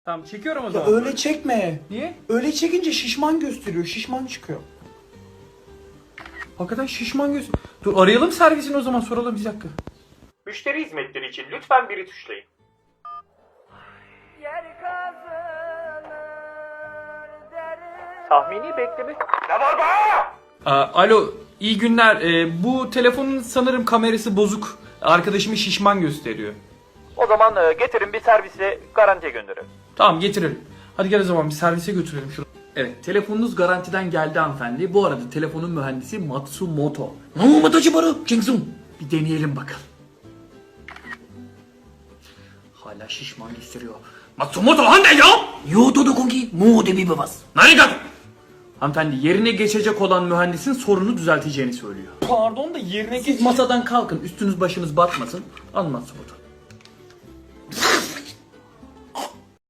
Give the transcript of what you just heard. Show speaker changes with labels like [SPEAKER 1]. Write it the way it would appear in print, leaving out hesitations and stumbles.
[SPEAKER 1] Tamam çekiyorum o
[SPEAKER 2] Ya
[SPEAKER 1] zaman.
[SPEAKER 2] öyle çekme.
[SPEAKER 1] Niye?
[SPEAKER 2] Öyle çekince şişman gösteriyor. Şişman çıkıyor.
[SPEAKER 1] Hakikaten şişman göz. Dur arayalım servisini o zaman, soralım bir dakika.
[SPEAKER 3] Müşteri hizmetleri için lütfen biri tuşlayın. Tahmini bekleme... Ne var be?
[SPEAKER 1] Alo iyi günler. Bu telefonun sanırım kamerası bozuk. Arkadaşımı şişman gösteriyor.
[SPEAKER 3] O zaman getirin bir servisle garantiye gönderelim.
[SPEAKER 1] Tamam getirelim. Hadi gel o zaman bir servise götürelim şunu. Evet, telefonunuz garantiden geldi hanımefendi. Bu arada telefonun mühendisi Matsumoto. Bir deneyelim bakalım. Hala şişman gösteriyor. Matsumoto hande ya? Yoto dokonki mo de bibas. Narigato. Hanımefendi, yerine geçecek olan mühendisin sorunu düzelteceğini söylüyor.
[SPEAKER 2] Pardon da yerine
[SPEAKER 1] Siz masadan kalkın, üstünüz başınız batmasın. Al Matsumoto.